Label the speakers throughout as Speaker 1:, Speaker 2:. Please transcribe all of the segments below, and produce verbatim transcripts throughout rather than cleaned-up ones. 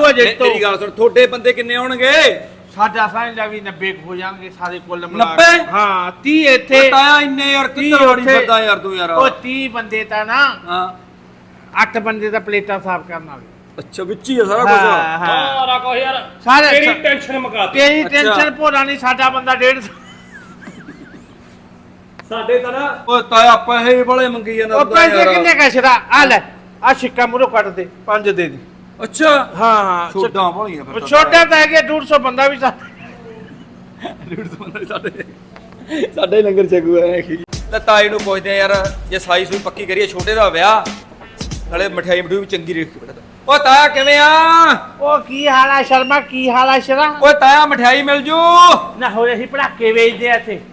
Speaker 1: ਜਾਊਗਾ ਜਿੱਤੋ
Speaker 2: ਮੇਰੀ ਗੱਲ ਸੁਣ ਤੁਹਾਡੇ ਬੰਦੇ ਕਿੰਨੇ ਹੋਣਗੇ
Speaker 1: ਸਾਡਾ ਸਾਂਝਾ ਵੀ ਨੱਬੇ ਹੋ ਜਾਣਗੇ ਸਾਰੇ ਕੁੱਲ ਮਿਲਾ
Speaker 2: ਨੱਬੇ?
Speaker 1: ਹਾਂ ਤੀਹ ਇੱਥੇ
Speaker 2: ਤਾਇਆ ਇੰਨੇ ਯਾਰ ਕਿੱਧਰ ਵੜੀ ਫਿਰਦਾ ਯਾਰ ਤੂੰ ਯਾਰ
Speaker 1: ਉਹ ਤੀਹ ਬੰਦੇ ਤਾਂ ਨਾ
Speaker 2: ਹਾਂ
Speaker 1: ਅੱਠ ਬੰਦੇ ਤਾਂ ਪਲੇਟਾਂ ਸਾਫ਼ ਕਰਨ ਵਾਲੇ
Speaker 2: ਅੱਛਾ ਵਿੱਚ ਹੀ ਆ ਸਾਰਾ ਕੁਝ
Speaker 1: ਹਾਂ ਹਾਂ
Speaker 3: ਸਾਰਾ ਕੁਝ ਯਾਰ
Speaker 1: ਸਾਰੇ
Speaker 3: ਤੇਰੀ ਟੈਨਸ਼ਨ ਮੁਕਾ ਦੇ
Speaker 1: ਤੇਰੀ
Speaker 2: ਅੱਛਾ।
Speaker 1: ਟੈਨਸ਼ਨ ਭੋਲਾ ਨਹੀਂ ਸਾਡਾ ਬੰਦਾ ਡੇਢ ਸੌ
Speaker 3: ਸਾਡੇ ਤਾਂ ਨਾ
Speaker 2: ਓਏ ਤਾਇਆ ਪੈਸੇ ਬੜੇ ਮੰਗੀ ਜਾਂਦਾ
Speaker 1: ਉਹ
Speaker 2: ਤੂੰ ਤਾਂ
Speaker 1: ਪੈਸੇ
Speaker 2: ਯਾਰ।
Speaker 1: ਕਿੰਨੇ ਕਸ਼ਰਾ ਆ ਲੈ ਆ ਸਿੱਕਾ ਮੂਰੋ ਕੱਟ ਦੇ ਪੰਜ ਦੇ ਦੇ
Speaker 2: ਅੱਛਾ
Speaker 1: ਹਾਂ ਹਾਂ
Speaker 2: ਛੋਟਾ ਬੋਲੀਆਂ ਫਿਰ ਤਾਂ
Speaker 1: ਛੋਟਾ ਤਾਂ ਹੈਗਾ ਡੇਢ ਸੌ ਬੰਦਾ ਵੀ ਸਾਡੇ
Speaker 2: ਡੇਢ ਸੌ ਬੰਦਾ ਸਾਡੇ ਸਾਡੇ ਲੰਗਰ ਛਕੂ ਹੈ ਕੀ ਤਾਂ ਤਾਈ ਨੂੰ ਪੁੱਛਦੇ ਆ ਯਾਰ ਜੇ ਸਾਈ ਸੂਈ ਪੱਕੀ ਕਰੀਏ ਛੋਟੇ ਦਾ ਵਿਆਹ ਨਾਲੇ ਮਠਿਆਈ ਮਠੂਈ ਵੀ ਚੰਗੀ ਰੇਖ ਤੇ ਓ ਤਾਇਆ ਕਿਵੇਂ ਆ
Speaker 1: ਉਹ ਕੀ ਹਾਲ ਆ ਸ਼ਰਮਾ ਕੀ ਹਾਲ ਆ ਸ਼ਰਾ
Speaker 2: ਓਏ ਤਾਇਆ ਮਠਿਆਈ ਮਿਲ ਜੂ
Speaker 1: ਨਾ ਹੋ ਰਹੀ ਪੜਾਕੇ ਵੇਚਦੇ ਆ ਇੱਥੇ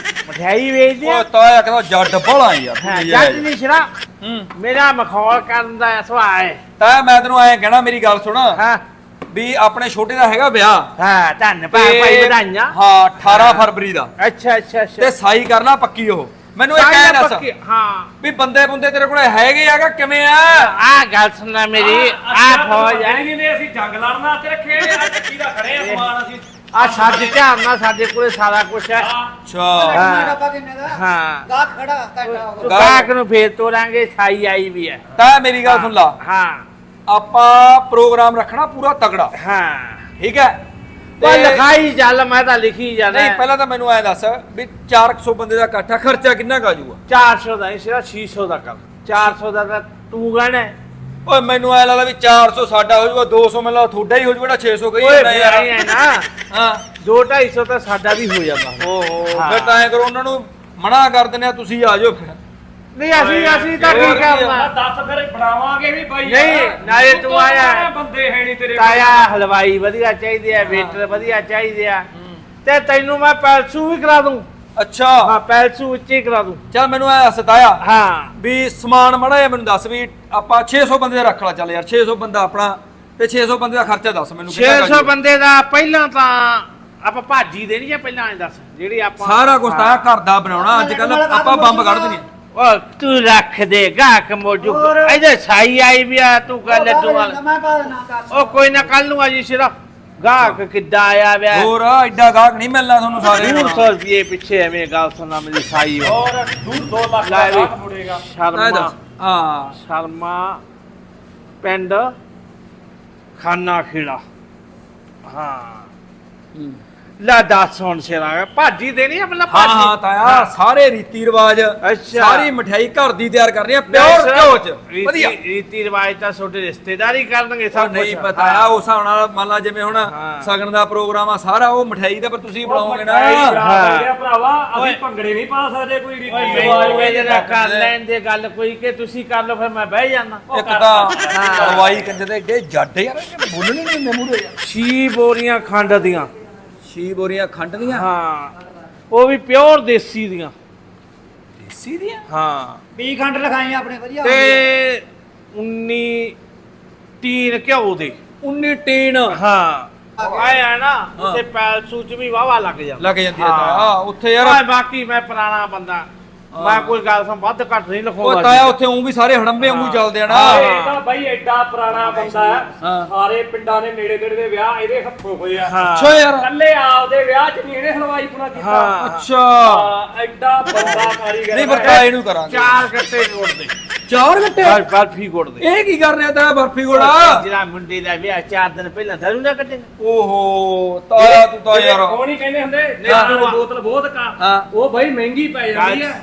Speaker 1: ਮਠਿਆਈ ਵੇਚਦੇ ਆ
Speaker 2: ਓ ਤਾਇਆ ਕਹਿੰਦਾ ਜੱਟ ਬੜਾ ਯਾਰ
Speaker 1: ਹਾਂ ਜੱਟ ਨਹੀਂ ਸ਼ਰਾ
Speaker 2: ਹੂੰ
Speaker 1: ਮੇਰਾ ਮਖੌਲ ਕਰਨ ਦਾ ਸੁਭਾਅ ਹੈ
Speaker 2: ਤਾਇਆ ਮੈਂ ਤੈਨੂੰ ਐਂ ਕਹਿਣਾ ਮੇਰੀ ਗੱਲ ਸੁਣ
Speaker 1: ਹਾਂ
Speaker 2: ਵੀ ਆਪਣੇ ਛੋਟੇ ਦਾ ਹੈਗਾ ਵਿਆਹ
Speaker 1: ਹਾਂ ਧੰਨ ਭਾਈ ਭਾਈ ਵਧਾਈਆਂ
Speaker 2: ਹਾਂ ਅਠਾਰਾਂ ਫਰਵਰੀ ਦਾ
Speaker 1: ਅੱਛਾ ਅੱਛਾ ਅੱਛਾ
Speaker 2: ਤੇ ਸਾਈ ਕਰਨਾ ਪੱਕੀ ਉਹ ਮੈਨੂੰ ਇਹ ਕਹਿ ਦੱਸ
Speaker 1: ਪੱਕੀ- ਹਾਂ
Speaker 2: ਵੀ ਬੰਦੇ ਬੰਦੇ ਤੇਰੇ ਕੋਲ ਹੈਗੇ ਆਗਾ ਕਿਵੇਂ ਆ
Speaker 1: ਆ ਗੱਲ ਸੁਣਨਾ ਮੇਰੀ ਆ ਫੌਜ ਹੈ
Speaker 3: ਨੇ ਅਸੀਂ ਜੰਗ ਲੜਨ ਵਾਸਤੇ ਰੱਖੇ ਆ ਚੱਕੀ ਦਾ ਖੜੇ ਆ ਸਮਾਨ ਅਸੀਂ
Speaker 1: ਆ ਸਾਡੇ ਧਿਆਨ ਨਾਲ ਸਾਡੇ ਕੋਲੇ ਸਾਰਾ ਕੁਝ ਹੈ
Speaker 2: ਅੱਛਾ
Speaker 1: ਹਾਂ।
Speaker 4: ਡੱਬਾ ਕਿੰਨੇ ਦਾ
Speaker 1: ਹਾਂ
Speaker 4: ਗਾਹਕ ਖੜਾ ਘੰਟਾ ਹੋ
Speaker 1: ਤੂੰ ਗਾਹਕ ਨੂੰ ਫੇਰ ਤੋਰਾਂਗੇ ਸਾਈ ਆਈ ਵੀ ਹੈ
Speaker 2: ਤਾਂ ਮੇਰੀ ਗੱਲ ਸੁਣ ਲਾ
Speaker 1: ਹਾਂ
Speaker 2: ਆਪਾਂ ਪ੍ਰੋਗਰਾਮ ਰੱਖਣਾ ਪੂਰਾ ਤਗੜਾ
Speaker 1: ਹਾਂ
Speaker 2: ਠੀਕ ਹੈ
Speaker 1: ਪਰ
Speaker 2: ਤੇ-
Speaker 1: ਲਿਖਾਈ ਚੱਲ ਮੈਂ ਤਾਂ ਲਿਖੀ ਜਾਣਾ
Speaker 2: ਨਹੀਂ ਪਹਿਲਾਂ ਤਾਂ ਮੈਨੂੰ ਐ ਦੱਸ ਵੀ ਚਾਰ ਸੌ ਬੰਦੇ ਦਾ ਇਕੱਠਾ ਖਰਚਾ ਕਿੰਨਾ ਕਾ ਜਾਊਗਾ
Speaker 1: ਚਾਰ ਸੌ ਦਾ ਨਹੀਂ ਸਿਰਾ ਛੇ ਸੌ ਦਾ ਕਰ ਚਾਰ ਸੌ ਦਾ ਤਾਂ ਤੂੰ ਗਣਾ
Speaker 2: ਓਏ ਮੈਨੂੰ ਐ ਲੱਗਦਾ ਵੀ ਚਾਰ ਸੌ ਸਾਡਾ ਹੋ ਜਾਊਗਾ ਦੋ ਸੌ ਮੈਨੂੰ ਲੱਗਦਾ ਤੁਹਾਡਾ ਹੀ ਹੋ ਜਾਊਗਾ ਛੇ ਸੌ ਕਹੀ
Speaker 1: ਓਏ
Speaker 2: ਜਾਂਦਾ
Speaker 1: ਫਿਰ
Speaker 2: ਯਾਰ
Speaker 1: ਆਈ ਹੈ ਨਾ
Speaker 2: ਹਾਂ
Speaker 1: ਦੋ ਢਾਈ ਸੌ ਤਾਂ ਸਾਡਾ ਵੀ ਹੋ ਜਾਂਦਾ
Speaker 2: ਓਹੋ
Speaker 1: ਹਾਂ।
Speaker 2: ਫਿਰ ਤਾਂ ਐ ਕਰੋ ਉਹਨਾਂ ਨੂੰ ਮਨਾ ਕਰ ਦਿੰਦੇ ਆ ਤੁਸੀਂ ਆ ਜਾਓ ਫਿਰ
Speaker 1: ਨਹੀਂ ਅਸੀਂ ਅਸੀਂ ਤਾਂ
Speaker 2: ਹੋਰ
Speaker 1: ਕੀ
Speaker 2: ਕੀ
Speaker 1: ਕਰਨਾ
Speaker 3: ਆ ਦੱਸ ਫਿਰ ਬਣਾਵਾਂਗੇ ਵੀ ਬਾਈ
Speaker 1: ਨਹੀਂ, ਨਾਲੇ ਤੂੰ ਆਇਆ।
Speaker 3: ਬੰਦੇ ਹੈ ਨਹੀਂ ਤੇਰੇ ਕੋਲ।
Speaker 1: ਤਾਇਆ ਹਲਵਾਈ ਵਧੀਆ ਚਾਹੀਦੇ ਆ ਵੇਟਰ ਵਧੀਆ ਚਾਹੀਦੇ ਆ ਤੇ ਤੈਨੂੰ ਮੈਂ ਪੈਲਸੂ ਵੀ ਕਰਾ ਦੂੰ
Speaker 2: ਅੱਛਾ
Speaker 1: ਹਾਂ ਪੈਲਸੂ ਉੱਚੇ ਕਰਾ ਦੂੰ
Speaker 2: ਚੱਲ ਮੈਨੂੰ ਐ ਸਤਾਇਆ
Speaker 1: ਹਾਂ
Speaker 2: ਵੀ ਸਮਾਨ ਮੜਾ ਜਿਹਾ ਮੈਨੂੰ ਦੱਸ ਵੀ ਆਪਾਂ ਛੇ ਸੌ ਬੰਦੇ ਦਾ ਰੱਖ ਲਾ ਚੱਲ ਯਾਰ ਛੇ ਸੌ ਬੰਦਾ ਆਪਣਾ ਤੇ ਛੇ ਸੌ ਬੰਦੇ ਦਾ ਖਰਚਾ ਦੱਸ ਮੈਨੂੰ
Speaker 1: ਛੇ
Speaker 2: ਕਿੰਨਾ
Speaker 1: ਸੌ
Speaker 2: ਕੁ
Speaker 1: ਬੰਦੇ ਦਾ ਪਹਿਲਾਂ ਤਾਂ ਆਪਾਂ ਭਾਜੀ ਦੇਣੀ ਆ ਪਹਿਲਾਂ ਐ ਦੱਸ ਜਿਹੜੀ ਆਪਾਂ
Speaker 2: ਸਾਰਾ ਕੁਝ ਤਾਂ ਘਰ ਦਾ ਬਣਾਉਣਾ ਅੱਜ ਕੱਲ ਆਪਾਂ ਬੰਬ ਕੱਢ ਦਿੰਦੇ
Speaker 1: ਉਹ ਤੂੰ ਰੱਖ ਦੇ ਗਾਹਕ ਮੋਜੂ
Speaker 4: ਹੋਰ।
Speaker 1: ਇਹਦੇ ਸਾਈ ਆਈ ਵੀ ਆ ਤੂੰ ਕਰ ਲੱਡੂ ਵਾਲ
Speaker 4: ਮੈਂ ਪਾ ਦੇਣਾ ਕਰ
Speaker 1: ਉਹ ਕੋਈ ਨਾ ਕੱਲ ਨੂੰ ਆ ਜੀ ਸਿਰਫ ਗਾਹਕ ਕਿੱਦਾਂ ਆਇਆ ਵਿਆ
Speaker 2: ਹੋਰ ਐਡਾ ਗਾਹਕ ਨਹੀਂ ਮਿਲਣਾ ਤੁਹਾਨੂੰ ਸਾਰੇ
Speaker 1: ਦੂਰ ਸੌ ਰੁਪਏ ਪਿੱਛੇ ਐਵੇਂ ਗੱਲ ਸੁਣਨਾ ਮੇਰੀ ਸਾਈ ਹੋ
Speaker 3: ਹੋਰ ਦੂਰ ਦੋ ਲੱਖ
Speaker 1: ਲੈ
Speaker 3: ਦਾ
Speaker 1: ਵੀ।
Speaker 3: ਲਾਭ ਮੁੜੇਗਾ
Speaker 2: ਐ
Speaker 1: ਸ਼ਰਮਾ
Speaker 2: ਦੱਸ ਹਾਂ
Speaker 1: ਸ਼ਰਮਾ ਪਿੰਡ ਖਾਨਾ ਖੇੜਾ ਹਾਂ ਲੈ ਦੱਸ ਹੁਣ ਸਿਰਾ ਭਾਜੀ ਦੇਣੀ ਆ ਮਤਲਬ
Speaker 2: ਹਾਂ
Speaker 1: ਭਾਜੀ
Speaker 2: ਹਾਂ ਤਾਇਆ ਸਾਰੇ ਰੀਤੀ ਰਿਵਾਜ
Speaker 1: ਅੱਛਾ।
Speaker 2: ਸਾਰੀ ਮਠਿਆਈ ਘਰ ਦੀ ਤਿਆਰ ਕਰਨੀ ਆ ਪਿਓਰ ਘਿਓ ਚ
Speaker 1: ਰੀਤੀ-
Speaker 2: ਵਧੀਆ
Speaker 1: ਰੀਤੀ ਰਿਵਾਜ ਤਾਂ ਤੁਹਾਡੇ ਰਿਸ਼ਤੇਦਾਰੀ ਕਰਨਗੇ
Speaker 2: ਸਭ
Speaker 1: ਸਭ
Speaker 2: ਨਹੀਂ
Speaker 1: ਕੁਛ।
Speaker 2: ਪਤਾ ਆ ਉਸ ਹਿਸਾਬ ਨਾਲ ਮੰਨ ਲਾ ਜਿਵੇਂ ਹੁਣ
Speaker 1: ਹਾਂ।
Speaker 2: ਸਗਨ ਦਾ ਪ੍ਰੋਗਰਾਮ ਆ ਸਾਰਾ ਉਹ ਮਠਿਆਈ ਦਾ ਪਰ ਤੁਸੀਂ ਬਣਾਓਗੇ ਨਾ
Speaker 3: ਹਾਂ ਭਰਾਵਾ
Speaker 1: ਓਏ।
Speaker 3: ਅਸੀਂ ਭੰਗੜੇ ਨਹੀਂ ਪਾ ਸਕਦੇ ਕੋਈ ਰੀਤੀ
Speaker 1: ਓਏ
Speaker 3: ਰਿਵਾਜ
Speaker 1: ਮੈਨੂੰ ਇਹ ਜਰਾ
Speaker 2: ਕਰਦੇ
Speaker 1: ਕਰ
Speaker 2: ਨੇ।
Speaker 1: ਲੈਣ ਦੇ ਗੱਲ ਕੋਈ ਕਿ ਤੁਸੀਂ ਕਰ ਲਓ ਫਿਰ ਮੈਂ ਬਹਿ ਜਾਣਾ
Speaker 2: ਇੱਕ ਤਾਂ ਹਲਵਾਈ ਕੰਜੇ ਦੇ ਏਡੇ ਜੱਡ ਯਾਰ ਇਹ ਬੋਲਣੇ ਨਹੀਂ ਹੁੰਦੇ ਮੂਹਰੇ ਯਾਰ
Speaker 1: ਛੀ ਬੋਰੀਆਂ ਖੰਡ ਦੀਆਂ
Speaker 2: ਛੀ ਬੋਰੀਆਂ ਖੰਡ ਦੀਆਂ
Speaker 1: ਹਾਂ ਉਹ ਵੀ ਪਿਓਰ ਦੇਸੀ ਦੀਆਂ
Speaker 2: ਦੇਸੀ ਦੀਆਂ
Speaker 1: ਹਾਂ
Speaker 4: ਵੀਹ ਖੰਡ ਲਿਖਾਈ ਆਪਣੇ ਵਧੀਆ
Speaker 1: ਤੇ ਉੱਨੀ ਤੀਨ ਘਿਓ ਦੇ
Speaker 2: ਉੱਨੀ ਟੀਨ
Speaker 1: ਹਾਂ ਆਇਆ ਨਾ
Speaker 2: ਹਾਂ।
Speaker 1: ਉੱਥੇ ਪੈਲਸੂ ਚ ਵੀ ਵਾਵਾ ਲੱਗ ਜਾਂਦਾ
Speaker 2: ਲੱਗ ਜਾਂਦੀ ਆ
Speaker 1: ਹਾਂ।
Speaker 2: ਤਾਇਆ ਹਾਂ, ਉੱਥੇ ਯਾਰ
Speaker 1: ਓਏ ਬਾਕੀ ਮੈਂ ਪੁਰਾਣਾ ਬੰਦਾ ਮੈਂ ਕੋਈ ਗੱਲ ਸਮ ਵੱਧ ਘੱਟ ਨਹੀਂ ਲਿਖਾਉਂਦਾ
Speaker 2: ਉਹ ਤਾਇਆ ਉੱਥੇ ਉਹ ਵੀ ਸਾਰੇ ਹੜੰਬੇ ਵਾਂਗੂ ਚੱਲਦੇ ਆ ਨਾ
Speaker 1: ਹਾਂ।
Speaker 3: ਇਹ ਤਾਂ ਬਾਈ ਐਡਾ ਪੁਰਾਣਾ ਬੰਦਾ ਹੈ
Speaker 2: ਹਾਂ।
Speaker 3: ਸਾਰੇ ਪਿੰਡਾਂ ਦੇ ਨੇੜੇ ਨੇੜੇ ਦੇ ਵਿਆਹ ਇਹਦੇ ਹੱਥੋਂ ਹੋਏ ਆ
Speaker 1: ਹਾਂ
Speaker 2: ਅੱਛਾ ਯਾਰ
Speaker 3: ਕੱਲੇ ਆਪਦੇ ਵਿਆਹ ਚ ਨਹੀਂ ਇਹਨੇ ਹਲਵਾਈ ਪੁਣਾ ਕੀਤਾ
Speaker 1: ਹਾਂ
Speaker 2: ਅੱਛਾ
Speaker 3: ਹਾਂ, ਐਡਾ ਬੰਦਾ ਕਾਰੀਗਰ
Speaker 2: ਨਹੀਂ
Speaker 3: ਹੈ।
Speaker 2: ਪਰ ਤਾਏ ਨੂੰ ਕਰਾਂਗੇ
Speaker 1: ਚਾਰ ਗੱਟੇ ਗੁੜ ਦੇ
Speaker 2: ਚਾਰ ਘੰਟੇ
Speaker 1: ਬਰ- ਬਰਫੀ ਗੁੜ ਦੇ
Speaker 2: ਇਹ ਕੀ ਕਰ ਰਿਹਾ ਤਾਇਆ ਬਰਫੀ ਗੋੜਾ
Speaker 1: ਜਿਹੜਾ ਮੁੰਡੇ ਦਾ ਵਿਆਹ ਚਾਰ ਦਿਨ ਪਹਿਲਾਂ ਦਾਰੂ ਨਾ ਕੱਢੇ
Speaker 2: ਓਹੋ ਤਾਇਆ ਤੂੰ ਤਾਂ ਯਾਰ
Speaker 3: ਉਹ ਨਹੀਂ ਕਹਿੰਦੇ ਹੁੰਦੇ
Speaker 1: ਹਾਂ।
Speaker 3: ਨਹੀਂ ਬੋਤਲ ਬਹੁਤ ਕਾ
Speaker 2: ਹਾਂ।
Speaker 3: ਉਹ ਬਾਈ ਮਹਿੰਗੀ ਪੈ ਜਾਂਦੀ ਹੈ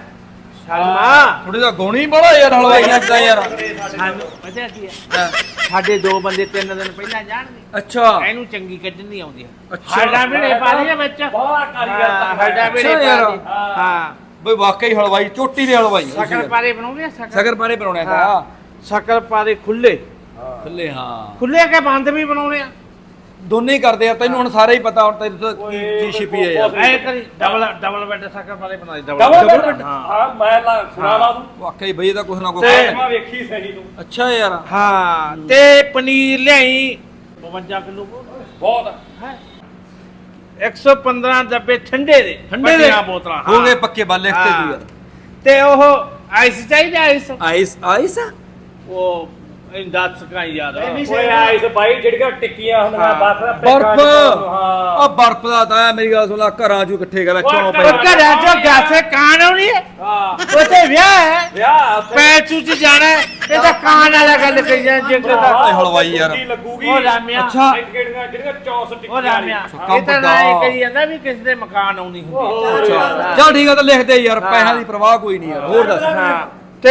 Speaker 1: ਸ਼ਰਮਾ
Speaker 2: ਥੋੜੀ ਦਾ ਗੋਣੀ ਬੜਾ ਯਾਰ ਹਲਵਾਈ ਲੱਗਦਾ ਯਾਰ
Speaker 1: ਸਾਨੂੰ ਪਤਾ ਕੀ ਹੈ
Speaker 2: ਹਾਂ।
Speaker 1: ਸਾਡੇ ਦੋ ਬੰਦੇ ਤਿੰਨ ਦਿਨ ਪਹਿਲਾਂ ਜਾਣਗੇ
Speaker 2: ਅੱਛਾ
Speaker 1: ਇਹਨੂੰ ਚੰਗੀ ਕੱਢਣੀ ਆਉਂਦੀ ਹੈ
Speaker 2: ਅੱਛਾ।
Speaker 1: ਸਾਡਾ ਵੀ ਪਾ ਲਿਆ ਵਿੱਚ
Speaker 3: ਬਹੁਤ ਕਾਰੀਗਰ
Speaker 1: ਹਾਂ,
Speaker 3: ਤਾਂ
Speaker 1: ਸਾਡਾ ਵੀ
Speaker 2: ਅੱਛਾ ਯਾਰ।
Speaker 1: ਹਾਂ
Speaker 2: ਬਈ ਵਾਕਈ ਹਲਵਾਈ ਚੋਟੀ ਦੇ ਹਲਵਾਈ ਆ ਤੁਸੀਂ
Speaker 1: ਸ਼ਕਰ ਪਾਰੇ ਬਣਾਉਂਦੇ ਆ ਸ਼ਕਰ
Speaker 2: ਸ਼ਕਰ ਪਾਰੇ ਬਣਾਉਣੇ ਆ
Speaker 1: ਹਾਂ ਸ਼ਕਰ ਪਾਰੇ ਖੁੱਲੇ
Speaker 2: ਥੱਲੇ ਹਾਂ
Speaker 1: ਖੁੱਲੇ ਕੇ ਬੰਦ ਵੀ ਬਣਾਉਣੇ ਆ
Speaker 2: ਦੋਨੇ ਹੀ ਕਰਦੇ ਆ ਤੈਨੂੰ ਹੁਣ ਸਾਰਾ ਹੀ ਪਤਾ ਹੁਣ ਤੇਰੇ ਤੋਂ ਕੀ ਕੀ ਛਿਪੀ ਹੈ ਯਾਰ
Speaker 1: ਐ ਕਰੀ ਡਬਲ ਡਬਲ ਬੈੱਡ ਸ਼ਕਰ ਪਾਰੇ ਬਣਾ ਦੇ
Speaker 3: ਡਬਲ
Speaker 1: ਡਬਲ
Speaker 3: ਬੈੱਡ
Speaker 1: ਹਾਂ
Speaker 3: ਹਾਂ ਮੈਂ ਲਾ ਸੁਣਾ ਲਾ ਦੂੰ
Speaker 2: ਵਾਕਈ ਬਈ ਇਹਦਾ ਕੁਛ ਨਾ ਕੁਛ
Speaker 1: ਤੇ-
Speaker 2: ਹੈ।
Speaker 3: ਮੈਂ ਵੇਖੀ ਸਹੀ ਤੂੰ
Speaker 2: ਅੱਛਾ ਯਾਰ
Speaker 1: ਹਾਂ ਤੇ ਪਨੀਰ ਲਿਆਈ ਬਵੰਜਾ ਕਿਲੋ
Speaker 3: ਬਹੁਤ
Speaker 1: ਹੈ ਇੱਕ ਸੌ ਪੰਦਰਾਂ ਡੱਬੇ ਠੰਡੇ ਦੇ
Speaker 2: ਠੰਡੇ ਦੇ
Speaker 1: ਵੱਡੀਆਂ ਬੋਤਲਾਂ
Speaker 2: ਹੋ ਗਏ ਪੱਕੇ ਬਾਲੇ ਤੇ ਤੂੰ ਯਾਰ
Speaker 1: ਤੇ ਉਹ ਆਈਸ ਚਾਹੀਦਾ ਆਈਸ
Speaker 2: ਆਈਸ ਆਈਸ
Speaker 1: ਉਹ ਇਹ ਦੱਸ ਕਾਂ ਯਾਰ
Speaker 4: ਨਹੀਂ
Speaker 3: ਓਏ ਆਈਸ ਬਾਈ ਜਿਹੜੀਆਂ ਟਿੱਕੀਆਂ ਹੁੰਦੀਆਂ
Speaker 1: ਹਾਂ।
Speaker 3: ਬਰਫ ਦਾ
Speaker 2: ਬਰਫ
Speaker 3: ਹਾਂ
Speaker 2: ਉਹ ਬਰਫ ਦਾ ਤਾਂ ਮੇਰੀ ਗੱਲ ਸੁਣ ਲਾ ਘਰਾਂ ਚੋਂ ਇਕੱਠੇ ਕਰ ਚੋਂ
Speaker 1: ਉਹ
Speaker 2: ਪਏ
Speaker 1: ਘਰਾਂ ਚੋਂ ਗਾਸੇ ਕਾਨ ਆਉਣੀ ਹੈ
Speaker 3: ਹਾਂ
Speaker 1: ਉੱਥੇ ਵਿਆਹ ਹੈ
Speaker 3: ਵਿਆਹ ਉੱਥੇ
Speaker 1: ਪੈਚੂ ਚ ਜਾਣਾ ਹੈ, ਇਹ ਤਾਂ ਕਾਨ ਵਾਲਾ ਗੱਲ ਕਹੀ ਜਾਂ ਜਿੰਗ ਦਾ
Speaker 2: ਓਏ ਹਲਵਾਈ ਯਾਰ।
Speaker 3: ਕੁੰਡੀ ਲੱਗੂਗੀ
Speaker 1: ਉਹ ਰਾਮਿਆ
Speaker 2: ਅੱਛਾ।
Speaker 3: ਜਿਹੜੀਆਂ ਜਿਹੜੀਆਂ ਚੌਂਸ
Speaker 1: ਉਹ
Speaker 3: ਟਿੱਕੀਆਂ
Speaker 1: ਰਾਮਿਆ
Speaker 2: ਕੰਮ
Speaker 1: ਇਹ ਤਾਂ ਨਾ ਇਹ
Speaker 2: ਵੱਡਾ।
Speaker 1: ਕਹੀ ਜਾਂਦਾ ਵੀ ਕਿਸੇ ਦੇ ਮਕਾਨ ਆਉਣੀ ਹੁੰਦੀ
Speaker 2: ਅੱਛਾ ਚੱਲ ਠੀਕ ਆ ਤਾਂ ਲਿਖ ਦੇ ਯਾਰ ਪੈਸਿਆਂ ਦੀ ਪਰਵਾਹ ਕੋਈ ਨਹੀਂ ਯਾਰ ਹੋਰ ਦੱਸ
Speaker 1: ਹਾਂ ਤੇ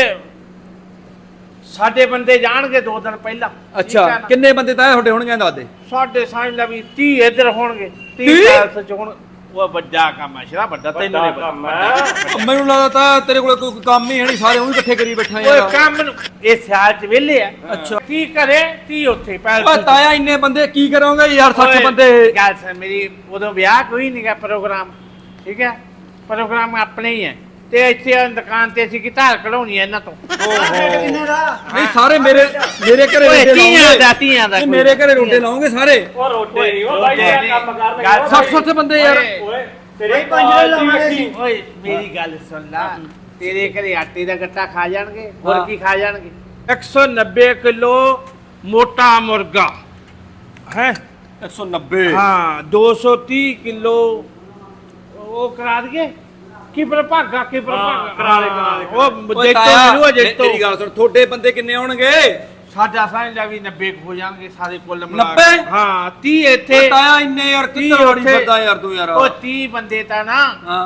Speaker 1: ਸਾਡੇ ਬੰਦੇ ਜਾਣਗੇ ਦੋ ਦਿਨ ਪਹਿਲਾਂ ਠੀਕ
Speaker 2: ਅੱਛਾ
Speaker 1: ਹੈ ਨਾ?
Speaker 2: ਕਿੰਨੇ ਬੰਦੇ ਤਾਂ ਤੁਹਾਡੇ ਹੋਣਗੇ ਦੱਸ ਦੇ
Speaker 1: ਸਾਡੇ ਸਮਝ ਲਾ ਵੀ ਤੀਹ ਇੱਧਰ ਹੋਣਗੇ
Speaker 2: ਤੀਹ?
Speaker 1: ਤੀਹ ਪੈਲਸ ਚ ਹੁਣ ਉਹ ਵੱਡਾ ਕੰਮ ਹੈ ਸ਼ਰਾ ਵੱਡਾ ਤੈਨੂੰ ਨਹੀਂ
Speaker 3: ਵੱਡਾ ਕੰਮ
Speaker 1: ਪਤਾ
Speaker 3: ਹੈ।
Speaker 2: ਮੈਨੂੰ ਲੱਗਦਾ ਤਾਂ ਤੇਰੇ ਕੋਲ ਕੋਈ ਕੰਮ ਹੀ ਹੈ ਨਹੀਂ ਸਾਰੇ ਉਹੀ ਇਕੱਠੇ ਕਰੀ ਬੈਠਾ
Speaker 1: ਓਏ
Speaker 2: ਯਾਰ
Speaker 1: ਕੰਮ ਨੂੰ ਇਹ ਸਿਆਲ ਚ ਵਿਹਲੇ ਆ
Speaker 2: ਅੱਛਾ।
Speaker 1: ਕੀ ਕਰੇ ਤੀ ਉੱਥੇ ਪੈਲਸ
Speaker 2: ਓਏ
Speaker 1: ਚ।
Speaker 2: ਤਾਇਆ ਇੰਨੇ ਬੰਦੇ ਕੀ ਕਰੋਗੇ ਯਾਰ ਸੱਠ
Speaker 1: ਓਏ,
Speaker 2: ਬੰਦੇ
Speaker 1: ਗੱਲ ਸੁਣ ਮੇਰੀ ਉਦੋਂ ਵਿਆਹ ਕੋਈ ਨਹੀਂਗਾ ਪ੍ਰੋਗਰਾਮ ਠੀਕ ਹੈ ਪ੍ਰੋਗਰਾਮ ਆਪਣੇ ਹੀ ਹੈ ਤੇ ਇੱਥੇ ਆ ਦੁਕਾਨ ਤੇ ਅਸੀਂ ਕੀ ਧਾਰ ਕਢਾਉਣੀ ਹੈ ਇਹਨਾਂ ਤੋਂ
Speaker 4: ਕਿੰਨੇ ਦਾ
Speaker 2: ਨਹੀਂ ਸਾਰੇ ਮੇਰੇ ਮੇਰੇ ਘਰੇ
Speaker 1: ਓਏ
Speaker 2: ਰੋਡੇ
Speaker 1: ਤੀਆਂ
Speaker 2: ਲਾਉਂਗੇ
Speaker 1: ਦਾ ਤੀਆਂ ਦਾ
Speaker 2: ਨਹੀਂ,
Speaker 1: ਕੋਈ
Speaker 2: ਮੇਰੇ ਘਰੇ
Speaker 1: ਨਹੀਂ।
Speaker 2: ਰੋਡੇ ਲਾਉਂਗੇ ਸਾਰੇ
Speaker 3: ਉਹ ਰੋਡੇ ਨਹੀਂ ਉਹ ਬਾਈ
Speaker 1: ਰੋਡੇ
Speaker 3: ਇਹ ਕੰਮ ਕਰਨਗੇ
Speaker 1: ਗੱਲ
Speaker 3: ਉਹ
Speaker 2: ਸੱਠ
Speaker 3: ਬਾਈ।
Speaker 2: ਸੱਠ ਬੰਦੇ ਯਾਰ
Speaker 1: ਓਏ,
Speaker 3: ਓਏ ਤੇਰੇ
Speaker 4: ਬਾਈ ਪੰਜ
Speaker 3: ਪਾਲ
Speaker 4: ਲਾਉਣੇ
Speaker 3: ਦੀ
Speaker 4: ਸੀ।
Speaker 3: ਵੇਖੀ।
Speaker 1: ਓਏ ਮੇਰੀ ਗੱਲ ਸੁਣ ਲਾ ਤੇਰੇ ਘਰੇ ਆਟੇ ਦਾ ਗੱਟਾ ਖਾ ਜਾਣਗੇ ਹੋਰ
Speaker 2: ਹਾਂ।
Speaker 1: ਕੀ ਖਾ ਜਾਣਗੇ ਇੱਕ ਸੌ ਨੱਬੇ ਕਿਲੋ ਮੋਟਾ ਮੁਰਗਾ ਹੈ
Speaker 2: ਇੱਕ ਸੌ ਨੱਬੇ
Speaker 1: ਹਾਂ ਦੋ ਸੌ ਤੀਹ ਕਿਲੋ ਉਹ ਕਰਾ ਦਈਏ ਕੀ ਪ੍ਰਭਾਗਾ ਕੀ ਪ੍ਰਭਾਗਾ
Speaker 3: ਕਰਾ ਲੈ, ਕਰਾ ਲੈ,
Speaker 1: ਉਹ
Speaker 2: ਓਏ
Speaker 1: ਦੇਖੋ
Speaker 2: ਤਾਇਆ
Speaker 1: ਮੈਨੂੰ ਅਜੇ ਤੋਂ
Speaker 2: ਮੇਰੀ ਗੱਲ ਸੁਣ ਤੁਹਾਡੇ ਬੰਦੇ ਕਿੰਨੇ ਹੋਣਗੇ
Speaker 1: ਸਾਡਾ ਸਾਂਝਾ ਵੀ ਨੱਬੇ ਕੁ ਹੋ ਜਾਣਗੇ ਸਾਰੇ ਕੁੱਲ ਮਿਲਾ
Speaker 2: ਨੱਬੇ?
Speaker 1: ਕੇ। ਹਾਂ ਤੀਹ ਇੱਥੇ
Speaker 2: ਓਏ ਤਾਇਆ ਇੰਨੇ ਯਾਰ
Speaker 1: ਤੀਹ
Speaker 2: ਕਿੱਧਰ ਵੜੀ
Speaker 1: ਉੱਥੇ।
Speaker 2: ਫਿਰਦਾ ਯਾਰ ਤੂੰ ਯਾਰ
Speaker 1: ਉਹ ਤੀਹ ਬੰਦੇ ਤਾਂ ਨਾ
Speaker 2: ਹਾਂ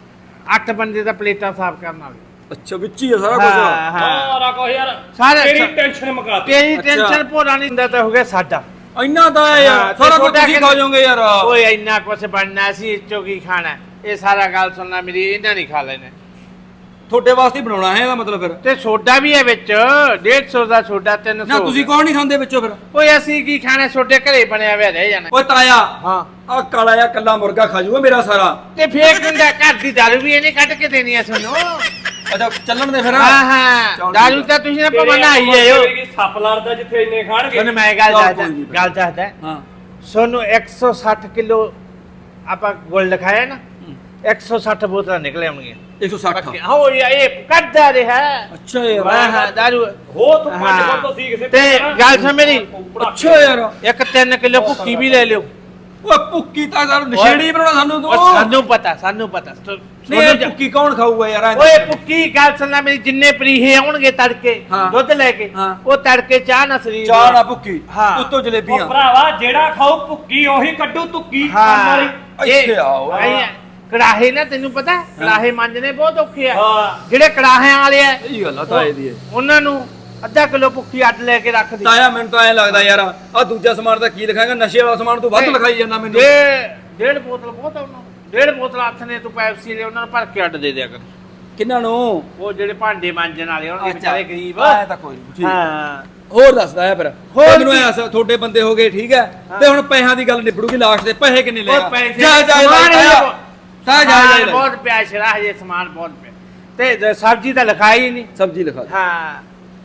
Speaker 1: ਅੱਠ ਬੰਦੇ ਤਾਂ ਪਲੇਟਾਂ ਸਾਫ਼ ਕਰਨ ਵਾਲੇ
Speaker 2: ਅੱਛਾ ਵਿੱਚ ਹੀ ਆ ਸਾਰਾ
Speaker 1: ਹਾਂ,
Speaker 2: ਕੁਝ
Speaker 1: ਹਾਂ।
Speaker 3: ਸਾਰਾ ਕੁਝ ਯਾਰ
Speaker 1: ਸਾਰੇ
Speaker 3: ਤੇਰੀ
Speaker 1: ਅੱਛਾ।
Speaker 3: ਟੈਨਸ਼ਨ ਮੁਕਾਤੀ
Speaker 1: ਤੇਰੀ
Speaker 2: ਅੱਛਾ।
Speaker 1: ਟੈਨਸ਼ਨ ਭੋਰਾ ਨਹੀਂ ਹੁੰਦਾ ਤਾਂ ਹੋ ਗਿਆ ਸਾਡਾ
Speaker 2: ਇੰਨਾ ਤਾਂ ਹੈ
Speaker 1: ਹਾਂ,
Speaker 2: ਯਾਰ
Speaker 1: ਤੇ
Speaker 2: ਸਾਰਾ ਕੁਝ
Speaker 1: ਤੁਹਾਡਾ
Speaker 2: ਤੁਸੀਂ ਖਾ ਜਾਓਗੇ ਯਾਰ
Speaker 1: ਓਏ ਇੰਨਾ ਕੁਛ ਬਣਨਾ ਸੀ ਇਸ ਚੋਂ ਕੀ ਖਾਣਾ ਇਹ ਸਾਰਾ ਗੱਲ ਸੁਣਨਾ ਮੇਰੀ ਇਹਨਾਂ ਨਹੀਂ ਖਾ ਲੈਣੇ
Speaker 2: ਤੁਹਾਡੇ ਵਾਸਤੇ ਹੀ ਬਣਾਉਣਾ ਹੈ ਇਹਦਾ ਮਤਲਬ ਫਿਰ
Speaker 1: ਤੇ ਸੋਡਾ ਵੀ ਹੈ ਵਿੱਚ ਡੇਢ ਸੌ ਦਾ ਸੋਡਾ ਤਿੰਨ ਸੌ
Speaker 2: ਨਾ ਤੁਸੀਂ ਕੌਣ ਨਹੀਂ ਖਾਂਦੇ ਵਿੱਚੋਂ ਫਿਰ
Speaker 1: ਓਏ ਅਸੀਂ ਕੀ ਖਾਣਾ ਸੋਡੇ ਘਰੇ ਬਣਿਆ ਹੋਇਆ ਰਹਿ ਜਾਣਾ
Speaker 2: ਓਏ ਤਾਇਆ
Speaker 1: ਹਾਂ
Speaker 2: ਆ ਕਾਲਾ ਜਿਹਾ ਕੱਲਾ ਮੁਰਗਾ ਖਾ ਜਾਊਗਾ ਮੇਰਾ ਸਾਰਾ
Speaker 1: ਤੇ ਫੇਰ ਕਿੰਦਾ ਘਰ ਦੀ ਦਾਰੂ ਵੀ ਇਹਨੇ ਕੱਢ ਕੇ ਦੇਣੀ ਆ ਸਾਨੂੰ
Speaker 2: ਅੱਛਾ ਚੱਲਣ ਦੇ ਫਿਰ
Speaker 1: ਹਾਂ ਹਾਂ
Speaker 2: ਚੱਲ
Speaker 1: ਦਾਰੂ
Speaker 2: ਠੀਕ
Speaker 1: ਤਾਂ ਤੁਸੀਂ ਨਾ ਪਵਨਾ ਆਈ ਜਾਇਓ
Speaker 3: ਸੱਪ ਲੜਦਾ ਜਿੱਥੇ ਇੰਨੇ ਖਾਣਗੇ
Speaker 1: ਤੁਹਾਨੂੰ ਮੈਂ ਗੱਲ
Speaker 2: ਚੱਲ
Speaker 1: ਦੱਸਦਾ
Speaker 2: ਕੋਈ ਨੀ।
Speaker 1: ਗੱਲ ਦੱਸਦਾ
Speaker 2: ਹਾਂ
Speaker 1: ਸੋਨੂੰ ਇੱਕ ਸੌ ਸੱਠ ਕਿਲੋ ਆਪਾਂ ਗੋਲ ਲਿਖਾਇਆ ਨਾ ਇੱਕ ਸੌ ਸੱਠ ਬੋਤਲਾਂ ਨਿਕਲ ਆਉਣਗੀਆਂ
Speaker 2: ਇੱਕ ਸੌ ਸੱਠ
Speaker 1: ਹੋ ਇਹ ਕੱਢਦਾ ਰਿਹਾ
Speaker 2: ਅੱਛਾ ਯਾਰ
Speaker 1: ਹਾਂ ਹਾਂ ਦਾਰੂ
Speaker 3: ਹੋ ਤੂੰ ਪੰਜ
Speaker 1: ਹਾਂ।
Speaker 3: ਬੰਦੋ ਸੀ ਕਿਸੇ
Speaker 1: ਤੇ ਗੱਲ ਸੁਣ ਮੇਰੀ
Speaker 2: ਅੱਛਾ ਯਾਰ
Speaker 1: ਇੱਕ ਤਿੰਨ ਕਿਲੋ ਭੁੱਕੀ ਵੀ ਲੈ ਲਿਓ
Speaker 2: ਓਏ ਭੁੱਕੀ ਤਾਂ ਸਾਨੂੰ ਨਸ਼ੇੜੀ ਬਣਾਉਣਾ ਸਾਨੂੰ ਤੂੰ
Speaker 1: ਉਹ ਸਾਨੂੰ ਪਤਾ ਸਾਨੂੰ ਪਤਾ ਸੋ-
Speaker 2: ਨਹੀਂ
Speaker 1: ਸੋਨੂੰ
Speaker 2: ਇਹ
Speaker 1: ਜਾ-
Speaker 2: ਭੁੱਕੀ ਕੌਣ ਖਾਊਗਾ ਯਾਰ ਐਂ
Speaker 1: ਓਏ
Speaker 2: ਦੱਸ।
Speaker 1: ਭੁੱਕੀ ਗੱਲ ਸੁਣਨਾ ਮੇਰੀ ਜਿੰਨੇ ਪਰੀਹੇ ਆਉਣਗੇ ਤੜਕੇ
Speaker 2: ਹਾਂ।
Speaker 1: ਦੁੱਧ ਲੈ ਕੇ
Speaker 2: ਹਾਂ।
Speaker 1: ਉਹ ਤੜਕੇ ਚਾਹ ਨਾ ਸਰੀਰ
Speaker 2: ਚਾਹ ਨਾ ਭੁੱਕੀ
Speaker 1: ਹਾਂ।
Speaker 2: ਉੱਤੋਂ
Speaker 3: ਉਹ
Speaker 2: ਜਲੇਬੀਆਂ
Speaker 3: ਭਰਾਵਾ ਜਿਹੜਾ ਖਾਓ ਭੁੱਕੀ ਉਹੀ ਕੱਢੂ ਤੁੱਕੀ ਕੰਮ ਵਾਲੀ
Speaker 1: ਹਾਂ
Speaker 2: ਇੱਥੇ ਆਓ।
Speaker 1: ਆਈ- ਕੜਾਹੇ ਨਾ ਤੈਨੂੰ ਪਤਾ ਕੜਾਹੇ ਮਾਂਜਣੇ ਬਹੁਤ ਔਖੇ ਆ
Speaker 3: ਹਾਂ
Speaker 1: ਜਿਹੜੇ ਕੜਾਹਿਆਂ ਵਾਲੇ ਆ
Speaker 2: ਇਹ ਗੱਲ ਆ ਤਾਏ ਦੀ ਇਹ।
Speaker 1: ਉਹਨਾਂ ਨੂੰ ਅੱਧਾ ਕਿਲੋ ਭੁੱਕੀ ਅੱਡ ਲੈ ਕੇ ਰੱਖ ਦੇ
Speaker 2: ਤਾਇਆ ਮੈਨੂੰ ਤਾਂ ਐ ਲੱਗਦਾ ਯਾਰ ਆ ਦੂਜਾ ਸਮਾਨ ਤਾਂ ਕੀ ਲਿਖਾਏਗਾ ਨਸ਼ੇ ਵਾਲਾ ਸਮਾਨ ਤੂੰ ਵੱਧ ਲਿਖਾਈ ਜਾਂਦਾ ਮੈਨੂੰ
Speaker 1: ਡੇ- ਡੇਢ ਬੋਤਲ ਬਹੁਤ ਆ ਉਹਨਾਂ ਨੂੰ। ਡੇਢ ਬੋਤਲ ਹੱਥ ਨੇ ਤੂੰ ਪੈਪਸੀ ਲੈ ਉਹਨਾਂ ਨੂੰ ਭਰ ਕੇ ਅੱਡ ਦੇ ਦਿਆ ਕਰ
Speaker 2: ਕਿੰਨਾਂ ਨੂੰ
Speaker 1: ਉਹ ਜਿਹੜੇ ਭਾਂਡੇ ਮਾਂਜਣ ਵਾਲੇ ਹੋਣਗੇ ਵਿਚਾਰੇ ਗਰੀਬ
Speaker 2: ਐ ਤਾਂ ਕੋਈ ਨਹੀਂ
Speaker 1: ਹਾਂ
Speaker 2: ਹੋਰ ਦੱਸਦਾ ਹੈ ਫਿਰ
Speaker 1: ਹੋਰ
Speaker 2: ਹੋਰ ਮੈਨੂੰ
Speaker 1: ਕੀ?
Speaker 2: ਐਸ ਤੁਹਾਡੇ ਬੰਦੇ ਹੋ ਗਏ ਠੀਕ ਹੈ ਤੇ ਹੁਣ ਪੈਸਿਆਂ ਦੀ ਗੱਲ ਨਿਬੜੂਗੀ ਲਾਸਟ ਤੇ ਪੈਸੇ ਕਿੰਨੇ
Speaker 1: ਉਹ
Speaker 2: ਲਏਗਾ
Speaker 1: ਪੈਸੇ
Speaker 2: ਜਾ ਜਾ
Speaker 1: ਸਮਾਨ
Speaker 2: ਜਾ
Speaker 1: ਹਜੇ
Speaker 2: ਜਾ
Speaker 1: ਬਹੁਤ-
Speaker 2: ਜਾ ਜਾ
Speaker 1: ਸਮਾਨ ਬਹੁਤ ਪਿਆ ਸ਼ਰਾ ਹਜੇ ਸਮਾਨ ਬਹੁਤ ਪਿਆ ਤੇ ਜ- ਸਬਜ਼ੀ ਤਾਂ ਲਿਖਾਈ ਹੀ ਨਹੀਂ
Speaker 2: ਸਬਜ਼ੀ ਲਿਖਾ ਦੇ
Speaker 1: ਹਾਂ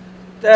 Speaker 1: ਤੇ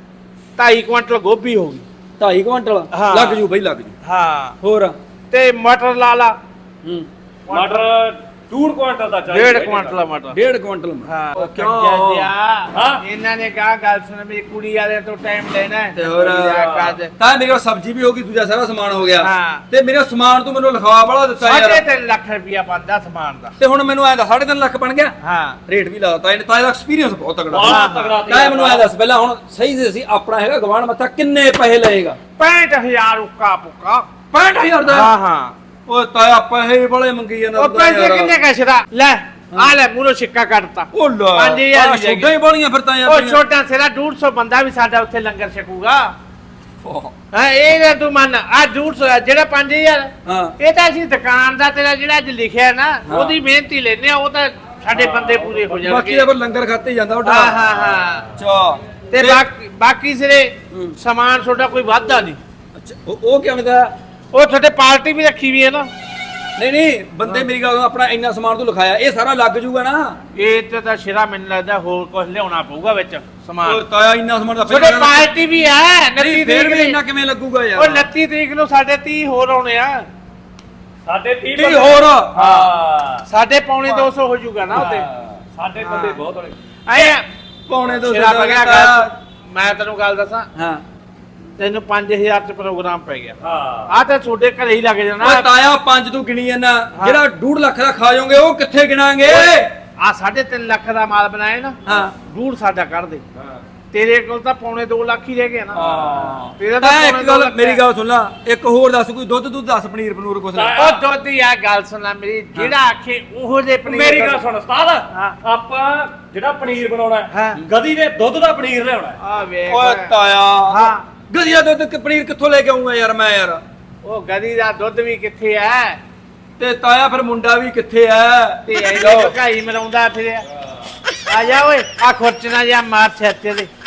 Speaker 1: ਢਾਈ ਕੁਇੰਟਲ ਗੋਭੀ ਹੋ ਗਈ
Speaker 2: ਢਾਈ ਕੁਇੰਟਲ
Speaker 1: ਹਾਂ।
Speaker 2: ਲੱਗ ਜੂ ਬਈ ਲੱਗ ਜੂ
Speaker 1: ਹਾਂ
Speaker 2: ਹੋਰ
Speaker 1: ਤੇ ਮਟਰ ਲਾ ਲਾ
Speaker 2: ਹੂੰ
Speaker 3: ਮਟਰ ਡੂਢ ਕੁਆਂਟਲ ਦਾ ਚਾਹੀਦਾ
Speaker 1: ਡੇਢ ਕੁਇੰਟਲ ਮਟਰ
Speaker 2: ਡੇਢ ਕੁਇੰਟਲ
Speaker 1: ਹਾਂ
Speaker 2: ਉਹ
Speaker 1: ਕਿਉਂ
Speaker 2: ਕਿਉਂ
Speaker 3: ਹਾਂ।
Speaker 1: ਇਹਨਾਂ ਨੇ ਕਹਾ ਗੱਲ ਸੁਣ ਮੇਰੀ ਕੁੜੀ ਵਾਲੇ ਤੋਂ ਟਾਈਮ ਲੈਣਾ ਹੈ
Speaker 2: ਤੇ ਹੋਰ
Speaker 1: ਕਰ
Speaker 2: ਤਾਂ ਮੇਰੇ ਕੋਲ ਸਬਜ਼ੀ ਵੀ ਹੋ ਗਈ ਦੂਜਾ ਸਾਰਾ ਸਮਾਨ ਹੋ ਗਿਆ
Speaker 1: ਹਾਂ।
Speaker 2: ਤੇ ਮੇਰੇ ਸਮਾਨ ਤੂੰ ਮੈਨੂੰ ਲਿਖਵਾ ਵਾਲਾ ਦਿੱਤਾ
Speaker 1: ਸਾਢੇ
Speaker 2: ਯਾਰ
Speaker 1: ਤਿੰਨ ਲੱਖ ਰੁਪਇਆ ਬਣਦਾ ਸਮਾਨ ਦਾ
Speaker 2: ਤੇ ਹੁਣ ਮੈਨੂੰ ਐਂ ਦੱਸ ਸਾਢੇ ਤਿੰਨ ਲੱਖ ਬਣ ਗਿਆ
Speaker 1: ਹਾਂ
Speaker 2: ਰੇਟ ਵੀ ਲਾਤਾ ਇਹਨੇ ਤਾਂ ਇਹਦਾ ਐਕਸਪੀਰੀਅੰਸ ਬਹੁਤ ਤਗੜਾ
Speaker 3: ਬਹੁਤ ਤਗੜਾ
Speaker 2: ਤਾਂ ਇਹ ਮੈਨੂੰ ਐਂ ਦੱਸ ਪਹਿਲਾਂ ਹੁਣ ਸਹੀ ਸੀ ਅਸੀਂ ਆਪਣਾ ਹੈਗਾ ਗਵਾਂਢ ਮੱਥਾ ਕਿੰਨੇ ਪੈਸੇ ਲਏਗਾ
Speaker 1: ਪੈਂਹਠ ਹਜ਼ਾਰ ਉੱਕਾ ਪੁੱਕਾ
Speaker 2: ਪੈਂਹਠ ਹਜ਼ਾਰ ਦਾ
Speaker 1: ਹਾਂ ਹਾਂ
Speaker 2: ਓਏ ਤਾਇਆ ਪੈਸੇ ਬੜੇ ਮੰਗੀ ਜਾਂਦਾ
Speaker 1: ਉਹ ਪੈਸੇ ਕਿੰਨੇ ਕਸ਼ਰਾ ਲੈ ਆ ਲੈ ਮੂਰੋ ਸਿੱਕਾ ਕੱਟਤਾ
Speaker 2: ਉਹ ਲਾ
Speaker 1: ਪੰਜ ਹਜ਼ਾਰ
Speaker 2: ਆਹ
Speaker 1: ਦੀ ਜਗ੍ਹਾ।
Speaker 2: ਛੋਟਾਂ ਹੀ ਬਾਲੀਆਂ ਫਿਰ ਤਾਂ ਯਾਰ
Speaker 1: ਉਹ ਛੋਟਾ ਸਿਰਾ ਡੇਢ ਸੌ ਬੰਦਾ ਵੀ ਸਾਡਾ ਉੱਥੇ ਲੰਗਰ ਛਕੂਗਾ
Speaker 2: ਓਹ,
Speaker 1: ਹਾਂ ਇਹ ਨਾ ਤੂੰ ਮੰਨ ਆ ਡੇਢ ਸੌ ਆ, ਜਿਹੜਾ ਪੰਜ ਹਜ਼ਾਰ
Speaker 2: ਹਾਂ
Speaker 1: ਇਹ ਤਾਂ ਅਸੀਂ ਦੁਕਾਨ ਦਾ ਤੇਰਾ ਜਿਹੜਾ ਅੱਜ ਲਿਖਿਆ ਨਾ ਉਹਦੀ ਮਿਹਨਤੀ ਲੈਨੇ ਆ ਉਹ ਤਾਂ ਸਾਡੇ ਬੰਦੇ ਪੂਰੇ ਹੋ
Speaker 2: ਬਾਕੀ
Speaker 1: ਜਾਣਗੇ
Speaker 2: ਦਾ ਫਿਰ ਲੰਗਰ ਖਾਤੇ ਹੀ ਜਾਂਦਾ ਉਹ
Speaker 1: ਹਾਂ ਹਾਂ ਹਾਂ
Speaker 2: ਅੱਛਾ
Speaker 1: ਤੇ ਬਾਕੀ ਬਾਕੀ ਸਿਰੇ
Speaker 2: ਹੂੰ।
Speaker 1: ਸਮਾਨ ਤੁਹਾਡਾ ਕੋਈ ਵਾਧਾ ਨਹੀਂ
Speaker 2: ਅੱਛਾ ਉਹ ਉਹ ਕਿਉਂ ਦਾ
Speaker 1: ਉਹ ਤੁਹਾਡੇ ਪਾਰਟੀ ਵੀ ਰੱਖੀ ਵੀ ਹੈ ਨਾ
Speaker 2: ਨਹੀਂ ਨਹੀਂ ਬੰਦੇ ਮੇਰੀ ਗੱਲ ਸੁਣੋ, ਆਪਣਾ ਇੰਨਾ ਸਮਾਨ ਤੂੰ ਲਿਖਾਇਆ ਇਹ ਸਾਰਾ ਲੱਗ ਜੂਗਾ ਨਾ
Speaker 1: ਇਹ ਤੇ ਤਾਂ ਸ਼ਿਰਾ ਮੈਨੂੰ ਲੱਗਦਾ ਹੋਰ ਕੁਝ ਲਿਆਉਣਾ ਪਊਗਾ ਵਿੱਚ
Speaker 2: ਉਹ
Speaker 1: ਸਮਾਨ
Speaker 2: ਤਾਇਆ ਇੰਨਾ ਸਮਾਨ ਦਾ
Speaker 1: ਤੁਹਾਡੇ ਪਾਰਟੀ ਵੀ ਹੈ
Speaker 2: ਨਹੀਂ
Speaker 1: ਉਨੱਤੀ
Speaker 2: ਫੇਰ ਵੀ
Speaker 1: ਤਰੀਕ
Speaker 2: ਇੰਨਾ ਕਿਵੇਂ ਲੱਗੂਗਾ
Speaker 1: ਉਹ
Speaker 2: ਯਾਰ
Speaker 1: ਉਨੱਤੀ ਤਰੀਕ ਨੂੰ ਸਾਡੇ ਤੀਹ ਹੋਰ ਆਉਣੇ ਆ
Speaker 3: ਸਾਡੇ ਤੀਹ
Speaker 2: ਕੀ
Speaker 3: ਬੰਦੇ-
Speaker 2: ਹੋਰ
Speaker 3: ਹਾਂ
Speaker 1: ਸਾਡੇ ਪੌਣੇ ਦੋ ਸੌ ਹੋ ਜਾਊਗਾ ਨਾ ਉਹਦੇ
Speaker 3: ਸਾਡੇ ਬੰਦੇ ਬਹੁਤ ਹੋਣੇ
Speaker 1: ਆਏ ਆ
Speaker 2: ਪੌਣੇ ਦੋ
Speaker 1: ਸ਼ਿਰਾ
Speaker 2: ਸੌ
Speaker 1: ਬਗਿਆ
Speaker 2: ਦਾ
Speaker 1: ਗੱਲ ਮੈਂ ਤੈਨੂੰ ਗੱਲ ਦੱਸਾਂ
Speaker 2: ਹਾਂ
Speaker 1: ਤੈਨੂੰ ਪੰਜ ਹਜ਼ਾਰ ਚ ਪ੍ਰੋਗਰਾਮ ਪੈ ਗਿਆ
Speaker 3: ਹਾਂ
Speaker 1: ਆ ਤਾਂ ਤੁਹਾਡੇ ਘਰੇ ਹੀ ਲੱਗ ਜਾਣਾ
Speaker 2: ਓਏ ਤਾਇਆ ਪੰਜ ਤੂੰ ਗਿਣੀ ਜਾਂਦਾ ਜਿਹੜਾ ਡੂਢ ਲੱਖ ਦਾ ਖਾ ਜਾਓਗੇ ਉਹ ਕਿੱਥੇ ਗਿਣਾਂਗੇ
Speaker 1: ਆ ਸਾਢੇ ਤਿੰਨ ਲੱਖ ਦਾ ਮਾਲ ਬਣਾਇਆ ਨਾ
Speaker 2: ਹਾਂ
Speaker 1: ਡੂੜ ਸਾਡਾ ਕੱਢ ਦੇ ਤੇਰੇ ਕੋਲ ਤਾਂ ਪੌਣੇ ਦੋ ਲੱਖ ਹੀ ਰਹਿ ਗਿਆ ਨਾ
Speaker 2: ਹਾਂ
Speaker 1: ਤੇਰਾ ਤਾਂ
Speaker 2: ਤਾਇਆ
Speaker 1: ਪੌਣੇ
Speaker 2: ਇੱਕ
Speaker 1: ਦੋ
Speaker 2: ਗੱਲ
Speaker 1: ਲੱਖ
Speaker 2: ਮੇਰੀ
Speaker 1: ਹੈ।
Speaker 2: ਗੱਲ ਸੁਣ ਲਾ ਇੱਕ ਹੋਰ ਦੱਸ ਕੋਈ ਦੁੱਧ ਦੁੱਧ ਦੱਸ ਪਨੀਰ ਪਨੂਰ ਕੁਛ ਨਾ
Speaker 1: ਉਹ ਦੁੱਧ ਦੀ ਆ ਗੱਲ ਸੁਣ ਲੈ ਮੇਰੀ ਜਿਹੜਾ ਆਖੇ ਉਹੋ ਜੇ ਪਨੀਰ
Speaker 3: ਮੇਰੀ ਗੱਲ ਸੁਣ ਉਸਤਾਦ
Speaker 1: ਹਾਂ।
Speaker 3: ਆਪਾਂ ਜਿਹੜਾ ਪਨੀਰ ਬਣਾਉਣਾ ਹੈ,
Speaker 1: ਹਾਂ।
Speaker 3: ਗਧੀ ਦੇ ਦੁੱਧ ਦਾ ਪਨੀਰ ਲਿਆਉਣਾ ਹੈ।
Speaker 1: ਆ ਵੇਖ
Speaker 2: ਓਏ ਤਾਇਆ
Speaker 1: ਹਾਂ
Speaker 2: ਗਧੀਆ ਦੁੱਧ ਕਿ ਪਨੀਰ ਕਿੱਥੋਂ ਲੈ ਕੇ ਆਉਂਗਾ ਯਾਰ ਮੈਂ ਯਾਰ
Speaker 1: ਉਹ ਗਦੀ ਦਾ ਦੁੱਧ ਵੀ ਕਿੱਥੇ ਐ
Speaker 2: ਤੇ ਤਾਇਆ ਫਿਰ ਮੁੰਡਾ ਵੀ ਕਿੱਥੇ ਐ
Speaker 1: ਤੇ ਐ ਭਕਾਈ ਮਰਾਉਂਦਾ ਫਿਰਿਆ ਆ ਜਾ ਓਏ ਆ ਖੁਰਚਣਾ ਜਾਂ ਮਾਰ ਸਿਰ ਤੇ ਦੇ